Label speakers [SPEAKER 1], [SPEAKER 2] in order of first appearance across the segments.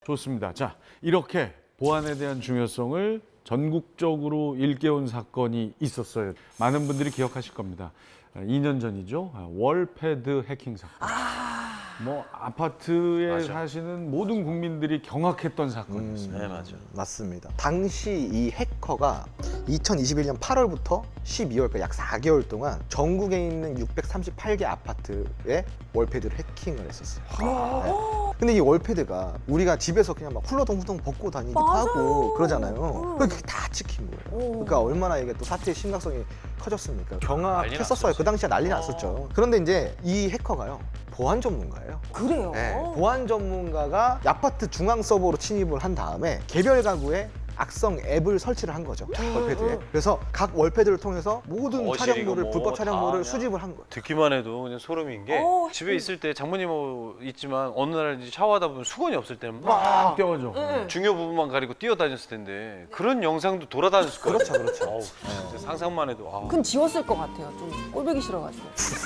[SPEAKER 1] 좋습니다. 자, 이렇게 보안에 대한 중요성을 전국적으로 일깨운 사건이 있었어요. 많은 분들이 기억하실 겁니다. 2년 전이죠. 월패드 해킹 사건. 뭐 아파트에
[SPEAKER 2] 맞아.
[SPEAKER 1] 사시는 모든 국민들이 경악했던 사건이었습니다.
[SPEAKER 2] 네, 맞아요.
[SPEAKER 3] 맞습니다. 당시 이 해커가 2021년 8월부터 12월까지 약 4개월 동안 전국에 있는 638개 아파트에 월패드를 해킹을 했었어요. 네. 근데 이 월패드가 우리가 집에서 그냥 막 훌러덩훌렁 벗고 다니기도
[SPEAKER 4] 맞아요.
[SPEAKER 3] 하고 그러잖아요. 그게 다 찍힌 거예요. 그러니까 얼마나 이게 또 사태의 심각성이 커졌습니까? 경악했었어요. 그 당시에 난리 났었죠. 그런데 이제 이 해커가요. 보안 전문가예요.
[SPEAKER 4] 그래요?
[SPEAKER 3] 네, 보안 전문가가 아파트 중앙 서버로 침입을 한 다음에 개별 가구에 악성 앱을 설치를 한 거죠. 월패드에. 그래서 각 월패드를 통해서 모든
[SPEAKER 2] 거실이고
[SPEAKER 3] 촬영물을
[SPEAKER 2] 뭐
[SPEAKER 3] 불법
[SPEAKER 2] 다
[SPEAKER 3] 촬영물을
[SPEAKER 2] 그냥
[SPEAKER 3] 수집을 한 거예요.
[SPEAKER 2] 듣기만 해도 그냥 소름인 게
[SPEAKER 4] 어,
[SPEAKER 2] 집에 있을 때 장모님 있지만 어느 날 이제 샤워하다 보면 수건이 없을 때는
[SPEAKER 1] 막
[SPEAKER 2] 막
[SPEAKER 1] 뛰어가죠.
[SPEAKER 2] 중요 부분만 가리고 뛰어다녔을 텐데 그런 영상도 돌아다녔을 거예요.
[SPEAKER 3] 그렇죠, 그렇죠.
[SPEAKER 2] 어우, 진짜 상상만 해도
[SPEAKER 4] 그건 지웠을 것 같아요. 좀 꼴보기 싫어가지고.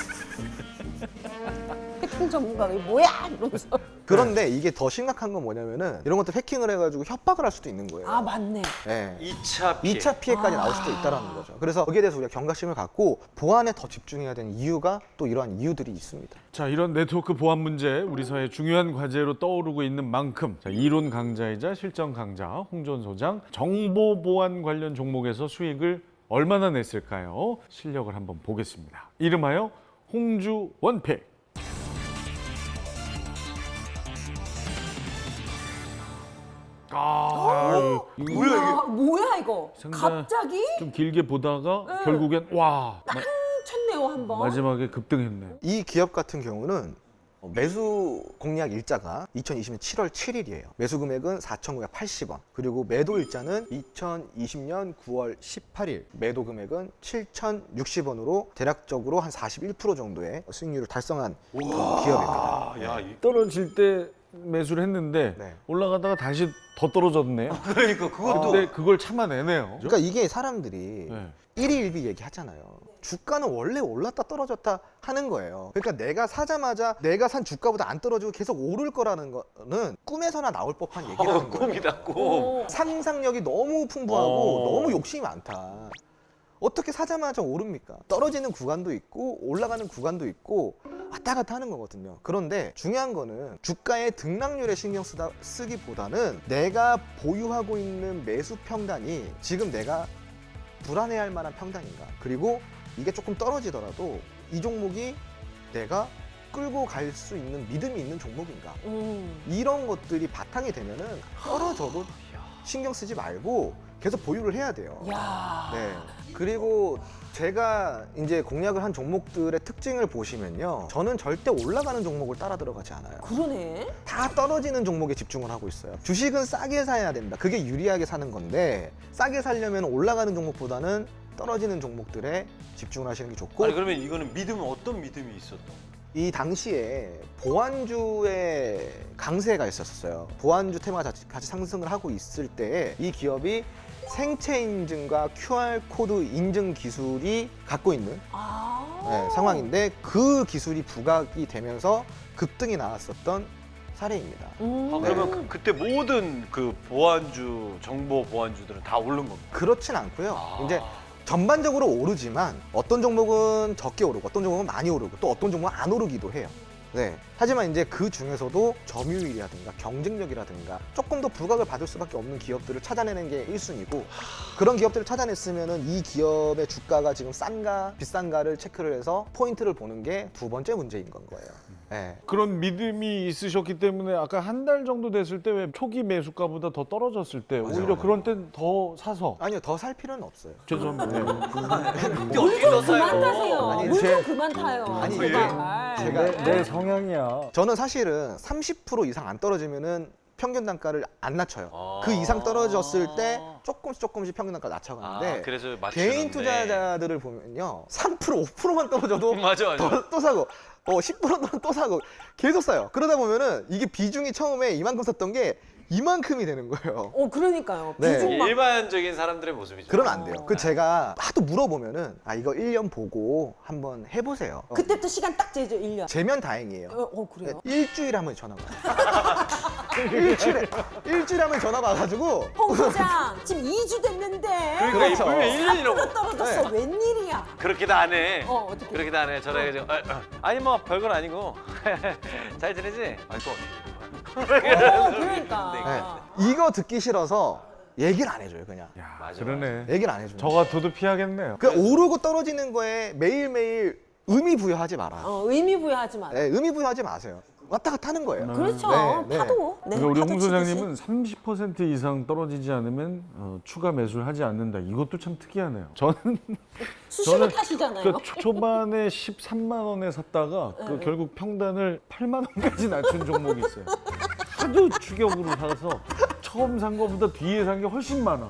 [SPEAKER 4] 해킹 전문가가 이게 뭐야? 이러면서.
[SPEAKER 3] 그런데 이게 더 심각한 건 뭐냐면은 이런 것들 해킹을 해가지고 협박을 할 수도 있는 거예요.
[SPEAKER 4] 아 맞네.
[SPEAKER 3] 네.
[SPEAKER 2] 2차 피해.
[SPEAKER 3] 2차 피해까지 나올 수도 있다는 거죠. 그래서 거기에 대해서 우리가 경각심을 갖고 보안에 더 집중해야 되는 이유가 또 이러한 이유들이 있습니다.
[SPEAKER 1] 자, 이런 네트워크 보안 문제 우리 사회 중요한 과제로 떠오르고 있는 만큼 자, 이론 강자이자 실전 강자 홍준 소장 정보 보안 관련 종목에서 수익을 얼마나 냈을까요? 실력을 한번 보겠습니다. 이름하여 홍주 원픽. 이거
[SPEAKER 4] 뭐야 이거?
[SPEAKER 1] 상당히
[SPEAKER 4] 갑자기
[SPEAKER 1] 좀 길게 보다가 결국엔 와
[SPEAKER 4] 쳤네요 한 번.
[SPEAKER 1] 마지막에 급등했네.
[SPEAKER 3] 이 기업 같은 경우는 매수 공략 일자가 2020년 7월 7일이에요. 매수 금액은 4,980원. 그리고 매도 일자는 2020년 9월 18일. 매도 금액은 7,060원으로 대략적으로 한 41% 정도의 수익률을 달성한 기업입니다.
[SPEAKER 2] 아, 야, 이-
[SPEAKER 1] 떨어질 때 매수를 했는데
[SPEAKER 3] 네.
[SPEAKER 1] 올라가다가 다시 더 떨어졌네요.
[SPEAKER 2] 그러니까 그것도
[SPEAKER 1] 근데 그걸 참아내네요.
[SPEAKER 3] 그러니까 이게 사람들이
[SPEAKER 1] 네.
[SPEAKER 3] 일희일비 얘기하잖아요. 주가는 원래 올랐다 떨어졌다 하는 거예요. 그러니까 내가 사자마자 내가 산 주가보다 안 떨어지고 계속 오를 거라는 거는 꿈에서나 나올 법한 얘기라는 거예요.
[SPEAKER 2] 꿈이다 꿈.
[SPEAKER 4] 오.
[SPEAKER 3] 상상력이 너무 풍부하고
[SPEAKER 2] 어.
[SPEAKER 3] 너무 욕심이 많다. 어떻게 사자마자 오릅니까? 떨어지는 구간도 있고 올라가는 구간도 있고 왔다 갔다 하는 거거든요. 그런데 중요한 거는 주가의 등락률에 신경 쓰기보다는 내가 보유하고 있는 매수 평단이 지금 내가 불안해할 만한 평단인가. 그리고 이게 조금 떨어지더라도 이 종목이 내가 끌고 갈 수 있는 믿음이 있는 종목인가. 이런 것들이 바탕이 되면은 떨어져도 신경 쓰지 말고 계속 보유를 해야 돼요.
[SPEAKER 4] 야.
[SPEAKER 3] 네. 그리고 제가 이제 공략을 한 종목들의 특징을 보시면요. 저는 절대 올라가는 종목을 따라 들어가지 않아요.
[SPEAKER 4] 그러네.
[SPEAKER 3] 다 떨어지는 종목에 집중을 하고 있어요. 주식은 싸게 사야 된다. 그게 유리하게 사는 건데 싸게 살려면 올라가는 종목보다는 떨어지는 종목들에 집중을 하시는 게 좋고
[SPEAKER 2] 아니 그러면 이거는 믿음은 어떤 믿음이 있었던?
[SPEAKER 3] 이 당시에 보안주의 강세가 있었어요. 보안주 테마가 같이 상승을 하고 있을 때 이 기업이 생체 인증과 QR코드 인증 기술이 갖고 있는 상황인데 그 기술이 부각이 되면서 급등이 나왔었던 사례입니다.
[SPEAKER 2] 아, 그러면 그때 모든 그 보안주 정보 보안주들은 다 오른 겁니다.
[SPEAKER 3] 그렇진 않고요.
[SPEAKER 2] 아.
[SPEAKER 3] 이제 전반적으로 오르지만 어떤 종목은 적게 오르고 어떤 종목은 많이 오르고 또 어떤 종목은 안 오르기도 해요. 네. 하지만 이제 그 중에서도 점유율이라든가 경쟁력이라든가 조금 더 부각을 받을 수밖에 없는 기업들을 찾아내는 게 1순위고 그런 기업들을 찾아냈으면은 이 기업의 주가가 지금 싼가 비싼가를 체크를 해서 포인트를 보는 게 두 번째 문제인 건 거예요. 네.
[SPEAKER 1] 그런 믿음이 있으셨기 때문에 아까 한 달 정도 됐을 때 왜 초기 매수가보다 더 떨어졌을 때 오히려 그런 땐 더 사서
[SPEAKER 3] 아니요, 더 살 필요는 없어요.
[SPEAKER 1] 죄송합니다.
[SPEAKER 2] 근데 어떻게 더
[SPEAKER 4] 그만 타세요.
[SPEAKER 2] 사요?
[SPEAKER 3] 아니,
[SPEAKER 4] 물
[SPEAKER 3] 제-
[SPEAKER 4] 좀 그만 타요.
[SPEAKER 3] 아니,
[SPEAKER 4] 제발.
[SPEAKER 3] 제가
[SPEAKER 1] 내 성향이야.
[SPEAKER 3] 저는 사실은 30% 이상 안 떨어지면은 평균 단가를 안 낮춰요.
[SPEAKER 2] 아.
[SPEAKER 3] 그 이상 떨어졌을 때 조금씩 평균 단가 낮춰가는데
[SPEAKER 2] 아, 그래서
[SPEAKER 3] 개인
[SPEAKER 2] 맞추는데.
[SPEAKER 3] 투자자들을 보면요 3% 5%만 떨어져도
[SPEAKER 2] 맞아 맞아.
[SPEAKER 3] 또 사고 10%는 또 사고 계속 사요. 그러다 보면은 이게 비중이 처음에 이만큼 샀던 게 이만큼이 되는 거예요.
[SPEAKER 4] 그러니까요.
[SPEAKER 3] 네.
[SPEAKER 4] 비중 막
[SPEAKER 2] 일반적인 사람들의 모습이죠.
[SPEAKER 3] 그러면 안 돼요. 그 제가 하도 물어보면은 이거 1년 보고 한번 해보세요.
[SPEAKER 4] 그때부터 시간 딱 재죠 1년.
[SPEAKER 3] 재면 다행이에요.
[SPEAKER 4] 그래요?
[SPEAKER 3] 일주일에 한 번씩 전화가 와요. 일주일에 한 번 전화가 와가지고
[SPEAKER 4] 홍 소장 지금 2주 됐는데
[SPEAKER 2] 그러니까
[SPEAKER 3] 그렇죠.
[SPEAKER 2] 이쁘면 1년이라고.
[SPEAKER 4] 4% 떨어졌어.
[SPEAKER 3] 네.
[SPEAKER 4] 웬일이야?
[SPEAKER 2] 그렇게도 안 해.
[SPEAKER 4] 어떻게?
[SPEAKER 2] 그렇게도 안 해. 전화해가지고 아니 뭐 별건 아니고 잘 지내지? 아니 또
[SPEAKER 4] 그러니까.
[SPEAKER 3] 네. 이거 듣기 싫어서 얘기를 안 해줘요 그냥.
[SPEAKER 1] 야,
[SPEAKER 2] 맞아,
[SPEAKER 1] 그러네.
[SPEAKER 3] 얘기를 안 해줘요.
[SPEAKER 1] 저 같아도 피하겠네요.
[SPEAKER 3] 그 오르고 떨어지는 거에 매일매일 의미 부여하지 마라.
[SPEAKER 4] 의미 부여하지 마.
[SPEAKER 3] 네, 의미 부여하지 마세요. 왔다 갔다 하는 거예요.
[SPEAKER 4] 그렇죠.
[SPEAKER 3] 네, 네.
[SPEAKER 4] 파도. 네,
[SPEAKER 1] 그러니까 우리
[SPEAKER 4] 파도
[SPEAKER 1] 홍
[SPEAKER 4] 치듯이.
[SPEAKER 1] 소장님은 30% 이상 떨어지지 않으면 추가 매수를 하지 않는다. 이것도 참 특이하네요. 저는
[SPEAKER 4] 수시로
[SPEAKER 1] 저는
[SPEAKER 4] 타시잖아요.
[SPEAKER 1] 그 초반에 13만 원에 샀다가 그 결국 평단을 8만 원까지 낮춘 종목이 있어요. 하도 추격으로 사서 처음 산 거보다 뒤에 산 게 훨씬 많아.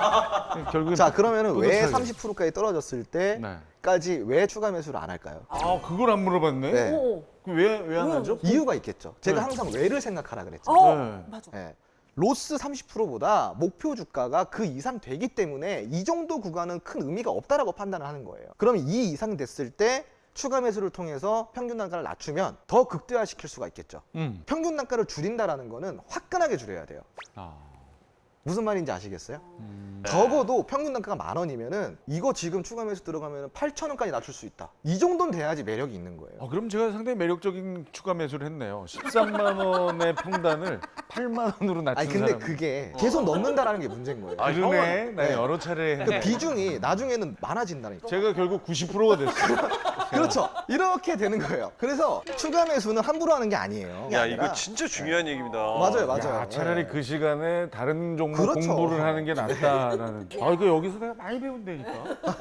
[SPEAKER 1] 결국엔
[SPEAKER 3] 자 그러면은 왜
[SPEAKER 1] 뿌듯하게.
[SPEAKER 3] 30%까지 떨어졌을
[SPEAKER 1] 네.
[SPEAKER 3] 때까지 왜 추가 매수를 안 할까요?
[SPEAKER 1] 아 그걸 안 물어봤네.
[SPEAKER 3] 네.
[SPEAKER 4] 오.
[SPEAKER 1] 왜 안
[SPEAKER 4] 왜
[SPEAKER 1] 하죠?
[SPEAKER 3] 이유가 있겠죠. 제가
[SPEAKER 1] 네.
[SPEAKER 3] 항상 왜를 생각하라 그랬죠.
[SPEAKER 1] 네.
[SPEAKER 4] 맞아.
[SPEAKER 3] 네. 로스 30%보다 목표 주가가 그 이상 되기 때문에 이 정도 구간은 큰 의미가 없다라고 판단을 하는 거예요. 그럼 이 이상 됐을 때 추가 매수를 통해서 평균 단가를 낮추면 더 극대화시킬 수가 있겠죠. 평균 단가를 줄인다라는 거는 화끈하게 줄여야 돼요.
[SPEAKER 1] 아.
[SPEAKER 3] 무슨 말인지 아시겠어요? 적어도 평균 단가가 10,000원이면은 이거 지금 추가 매수 들어가면 8,000원까지 낮출 수 있다. 이 정도는 돼야지 매력이 있는 거예요.
[SPEAKER 1] 그럼 제가 상당히 매력적인 추가 매수를 했네요. 13만 원의 평단을 8만 원으로 낮춘
[SPEAKER 3] 아니 근데
[SPEAKER 1] 사람.
[SPEAKER 3] 그게 계속 넣는다라는 게 문제인 거예요.
[SPEAKER 2] 아,
[SPEAKER 1] 그러네. 나
[SPEAKER 3] 네.
[SPEAKER 1] 여러 차례
[SPEAKER 3] 그
[SPEAKER 1] 했네.
[SPEAKER 3] 비중이 나중에는 많아진다니까.
[SPEAKER 1] 제가 결국 90%가 됐어요.
[SPEAKER 3] 그렇죠. 이렇게 되는 거예요. 그래서 추가 매수는 함부로 하는 게 아니에요.
[SPEAKER 2] 야
[SPEAKER 3] 아니라-
[SPEAKER 2] 이거 진짜 중요한 얘기입니다.
[SPEAKER 3] 맞아요, 맞아요.
[SPEAKER 1] 야, 차라리
[SPEAKER 3] 네.
[SPEAKER 1] 그 시간에 다른 종목
[SPEAKER 3] 그렇죠.
[SPEAKER 1] 공부를 하는 게 낫다라는. 아 이거 여기서 내가 많이 배운다니까.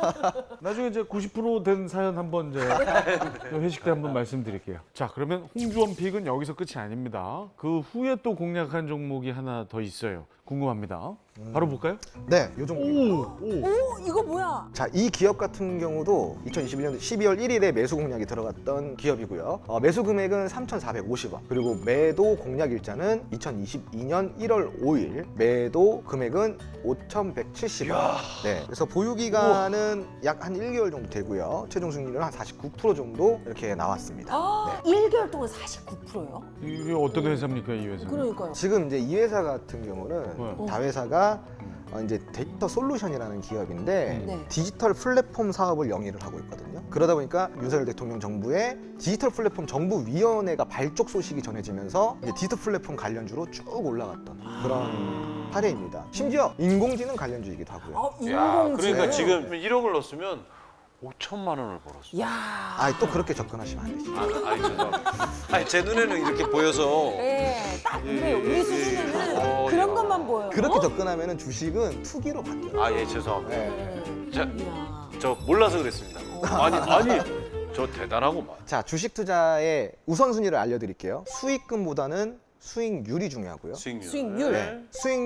[SPEAKER 1] 나중에 이제 90%된 사연 한번 이제 회식 때 한번 말씀드릴게요. 자 그러면 홍주원 픽은 여기서 끝이 아닙니다. 그 후에 또 공략한 종목이 하나 더 있어요. 궁금합니다. 바로 볼까요?
[SPEAKER 3] 네, 요 정도.
[SPEAKER 4] 오, 이거 뭐야?
[SPEAKER 3] 자, 이 기업 같은 경우도 2021년 12월 1일에 매수 공략이 들어갔던 기업이고요. 매수 금액은 3,450원. 그리고 매도 공략 일자는 2022년 1월 5일. 매도 금액은 5,170원. 네. 그래서 보유 기간은 약 한 1개월 정도 되고요. 최종 승률은 한 49% 정도 이렇게 나왔습니다.
[SPEAKER 4] 아, 1개월 동안 49%요?
[SPEAKER 1] 이게 어떤 회사입니까 이 회사는?
[SPEAKER 4] 그러니까요.
[SPEAKER 3] 지금 이제 이 회사 같은 경우는
[SPEAKER 1] 네.
[SPEAKER 3] 다회사가 이제 데이터 솔루션이라는 기업인데
[SPEAKER 4] 네.
[SPEAKER 3] 디지털 플랫폼 사업을 영위를 하고 있거든요. 그러다 보니까 윤석열 대통령 정부의 디지털 플랫폼 정부위원회가 발족 소식이 전해지면서 이제 디지털 플랫폼 관련주로 쭉 올라갔던 그런 사례입니다. 심지어 인공지능 관련주이기도 하고요.
[SPEAKER 4] 아,
[SPEAKER 2] 야,
[SPEAKER 4] 인공지능.
[SPEAKER 2] 그러니까 지금 1억을 넣었으면 5천만 원을 벌었어.
[SPEAKER 4] 야.
[SPEAKER 3] 또 그렇게 접근하시면 안 되시죠.
[SPEAKER 2] 아니 죄송합니다. 아니 제 눈에는 이렇게 보여서
[SPEAKER 4] 네, 딱 그래요. 우리 수준에는 그런
[SPEAKER 2] 야.
[SPEAKER 4] 것만 보여요.
[SPEAKER 3] 그렇게 접근하면 주식은 투기로 바뀌어요.
[SPEAKER 2] 아 예 죄송합니다.
[SPEAKER 3] 네.
[SPEAKER 2] 자,
[SPEAKER 4] 이야.
[SPEAKER 2] 저 몰라서 그랬습니다. 아니 저 대단하고만.
[SPEAKER 3] 자, 주식 투자의 우선순위를 알려드릴게요. 수익금보다는 수익률이 중요하고요.
[SPEAKER 2] 수익률.
[SPEAKER 4] 수익률.
[SPEAKER 3] 네.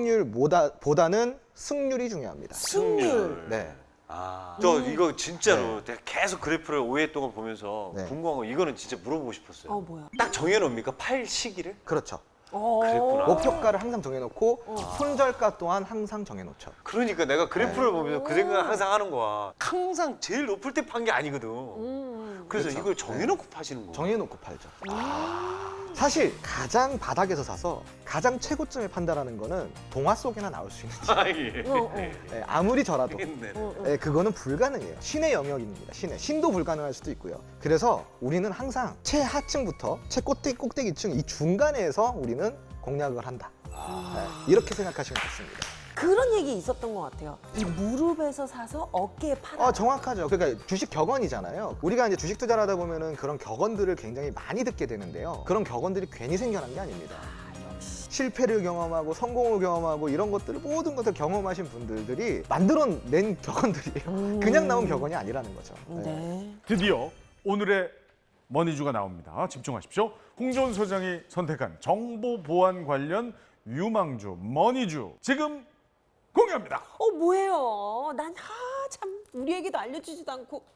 [SPEAKER 3] 수익률보다는 승률이 중요합니다.
[SPEAKER 4] 승률.
[SPEAKER 3] 네.
[SPEAKER 2] 아, 저 이거 진짜로 내가 계속 그래프를 5회 동안 보면서
[SPEAKER 3] 네.
[SPEAKER 2] 궁금한 거 이거는 진짜 물어보고 싶었어요.
[SPEAKER 4] 뭐야?
[SPEAKER 2] 딱 정해놓습니까? 팔 시기를?
[SPEAKER 3] 그렇죠.
[SPEAKER 2] 그랬구나.
[SPEAKER 3] 목표가를 항상 정해놓고 손절가 또한 항상 정해놓죠.
[SPEAKER 2] 그러니까 내가 그래프를 보면서 그 생각을 항상 하는 거야. 항상 제일 높을 때 판 게 아니거든. 그래서
[SPEAKER 3] 그렇죠.
[SPEAKER 2] 이걸 정해놓고 파시는 거야.
[SPEAKER 3] 정해놓고 팔죠. 사실 가장 바닥에서 사서 가장 최고점에 판다라는 거는 동화 속에나 나올 수 있는
[SPEAKER 2] 아, 예.
[SPEAKER 3] 네, 아무리 저라도
[SPEAKER 2] 네.
[SPEAKER 3] 네, 그거는 불가능해요. 신의 영역입니다. 신도 불가능할 수도 있고요. 그래서 우리는 항상 최하층부터 최꼭대기층 이 중간에서 우리는 공략을 한다. 네, 이렇게 생각하시면 좋습니다.
[SPEAKER 4] 그런 얘기 있었던 것 같아요. 이 무릎에서 사서 어깨에 팔아.
[SPEAKER 3] 정확하죠. 그러니까 주식 격언이잖아요. 우리가 이제 주식 투자를 하다 보면은 그런 격언들을 굉장히 많이 듣게 되는데요. 그런 격언들이 괜히 생겨난 게 아닙니다. 실패를 경험하고 성공을 경험하고 이런 것들을 모든 것을 경험하신 분들이 만들어낸 격언들이에요. 그냥 나온 격언이 아니라는 거죠.
[SPEAKER 4] 네.
[SPEAKER 1] 드디어 오늘의 머니주가 나옵니다. 집중하십시오. 홍준 소장이 선택한 정보 보안 관련 유망주 머니주 지금 공개합니다.
[SPEAKER 4] 뭐예요? 난 참 우리에게도 알려주지도 않고